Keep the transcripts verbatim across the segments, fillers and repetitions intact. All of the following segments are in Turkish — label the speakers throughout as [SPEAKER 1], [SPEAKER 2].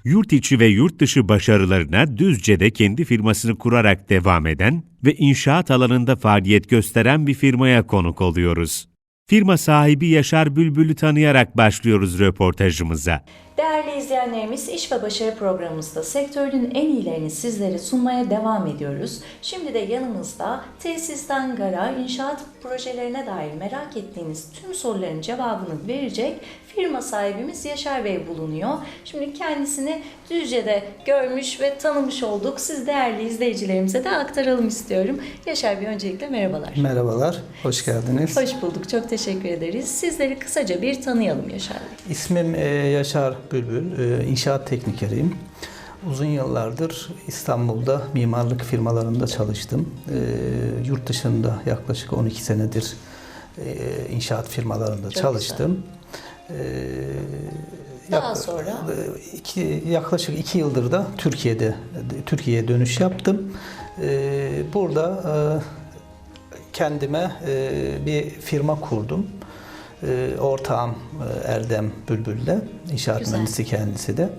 [SPEAKER 1] Yurt içi ve yurt dışı başarılarına Düzce'de kendi firmasını kurarak devam eden ve inşaat alanında faaliyet gösteren bir firmaya konuk oluyoruz. Firma sahibi Yaşar Bülbül'ü tanıyarak başlıyoruz röportajımıza.
[SPEAKER 2] Değerli izleyenlerimiz, İş ve Başarı programımızda sektörün en iyilerini sizlere sunmaya devam ediyoruz. Şimdi de yanımızda tesisten gara, inşaat projelerine dair merak ettiğiniz tüm soruların cevabını verecek firma sahibimiz Yaşar Bey bulunuyor. Şimdi kendisini Düzce'de görmüş ve tanımış olduk. Siz değerli izleyicilerimize de aktaralım istiyorum. Yaşar Bey, öncelikle merhabalar.
[SPEAKER 3] Merhabalar, hoş geldiniz.
[SPEAKER 2] Hoş bulduk, çok teşekkür ederiz. Sizleri kısaca bir tanıyalım Yaşar Bey.
[SPEAKER 3] İsmim Yaşar Bülbül, inşaat teknikeriyim. Uzun yıllardır İstanbul'da mimarlık firmalarında çalıştım. Yurt dışında yaklaşık on iki senedir inşaat firmalarında Çok çalıştım.
[SPEAKER 2] Daha Yak, sonra?
[SPEAKER 3] Iki, yaklaşık iki yıldır da Türkiye'de Türkiye'ye dönüş yaptım. Burada kendime bir firma kurdum. Ortağım Erdem Bülbül'le, inşaat Güzel. mühendisi kendisi de.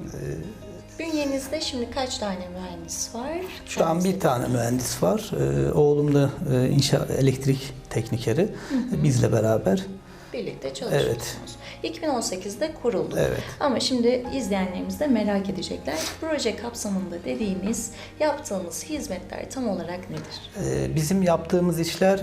[SPEAKER 2] Bünyenizde şimdi kaç tane mühendis var?
[SPEAKER 3] Şu Kendisi an bir tane mühendis var. Oğlum da inşaat elektrik teknikeri. Hı hı. Bizle beraber.
[SPEAKER 2] Birlikte çalışıyorsunuz. Evet. iki bin on sekizde kuruldu.
[SPEAKER 3] Evet.
[SPEAKER 2] Ama şimdi izleyenlerimiz de merak edecekler. Proje kapsamında dediğimiz yaptığımız hizmetler tam olarak nedir?
[SPEAKER 3] Bizim yaptığımız işler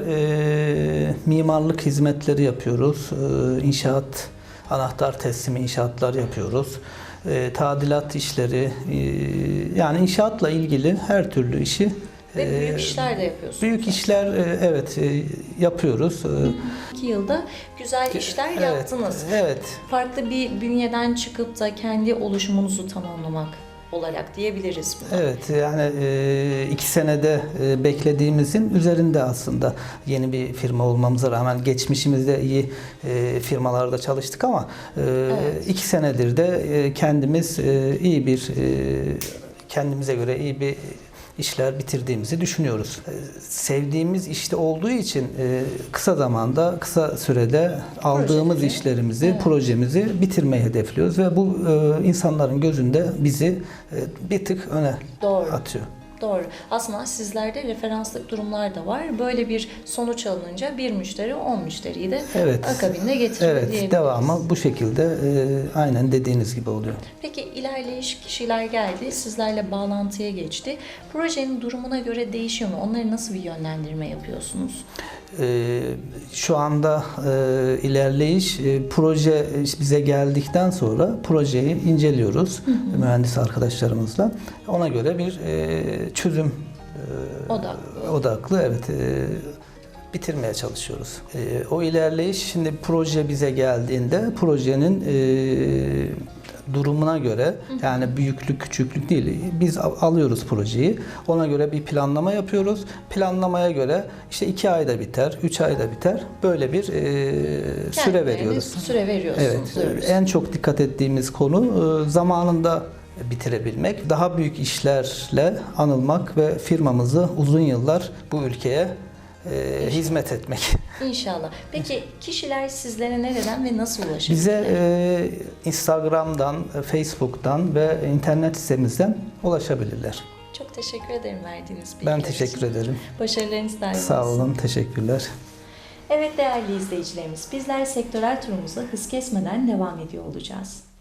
[SPEAKER 3] e, mimarlık hizmetleri yapıyoruz. E, inşaat, anahtar teslimi inşaatlar yapıyoruz. E, tadilat işleri, e, yani inşaatla ilgili her türlü işi
[SPEAKER 2] Ve büyük işler de yapıyorsunuz.
[SPEAKER 3] Büyük işler evet yapıyoruz.
[SPEAKER 2] İki yılda güzel işler
[SPEAKER 3] evet,
[SPEAKER 2] yaptınız.
[SPEAKER 3] Evet.
[SPEAKER 2] Farklı bir bünyeden çıkıp da kendi oluşumunuzu tamamlamak olarak diyebiliriz buna.
[SPEAKER 3] Evet, yani iki senede beklediğimizin üzerinde aslında yeni bir firma olmamıza rağmen geçmişimizde iyi firmalarda çalıştık ama evet. iki senedir de kendimiz iyi bir kendimize göre iyi bir işler bitirdiğimizi düşünüyoruz. Sevdiğimiz işte olduğu için kısa zamanda, kısa sürede aldığımız Projeleri. işlerimizi, evet. projemizi bitirmeyi hedefliyoruz ve bu insanların gözünde bizi bir tık öne
[SPEAKER 2] Doğru.
[SPEAKER 3] atıyor.
[SPEAKER 2] Doğru. Aslında sizlerde referanslık durumlar da var. Böyle bir sonuç alınınca bir müşteri on müşteriyi de evet. akabinde getiriyor
[SPEAKER 3] evet,
[SPEAKER 2] diyebiliriz.
[SPEAKER 3] Devamı bu şekilde e, aynen dediğiniz gibi oluyor.
[SPEAKER 2] Peki ilerleyiş kişiler geldi, sizlerle bağlantıya geçti. Projenin durumuna göre değişiyor mu? Onları nasıl bir yönlendirme yapıyorsunuz?
[SPEAKER 3] E, şu anda e, ilerleyiş, e, proje bize geldikten sonra projeyi inceliyoruz hı hı. mühendis arkadaşlarımızla. Ona göre bir e, çözüm e, odaklı. odaklı evet e, bitirmeye çalışıyoruz. E, o ilerleyiş, şimdi proje bize geldiğinde projenin e, durumuna göre, hı hı. yani büyüklük küçüklük değil, biz alıyoruz projeyi, ona göre bir planlama yapıyoruz. Planlamaya göre işte iki ayda biter, üç ayda biter, böyle bir e, süre veriyoruz.
[SPEAKER 2] Süre veriyorsunuz.
[SPEAKER 3] Evet. Diyoruz. En çok dikkat ettiğimiz konu e, zamanında bitirebilmek, daha büyük işlerle anılmak ve firmamızı uzun yıllar bu ülkeye e, hizmet etmek.
[SPEAKER 2] İnşallah. Peki kişiler sizlere nereden ve nasıl ulaşabilirler?
[SPEAKER 3] Bize e, Instagram'dan, Facebook'tan ve internet sitemizden ulaşabilirler.
[SPEAKER 2] Çok teşekkür ederim verdiğiniz bilgiler
[SPEAKER 3] Ben teşekkür
[SPEAKER 2] için.
[SPEAKER 3] ederim.
[SPEAKER 2] Başarılarınız daim olsun.
[SPEAKER 3] Sağ olun, teşekkürler.
[SPEAKER 2] Evet değerli izleyicilerimiz, bizler sektörel turumuza hız kesmeden devam ediyor olacağız.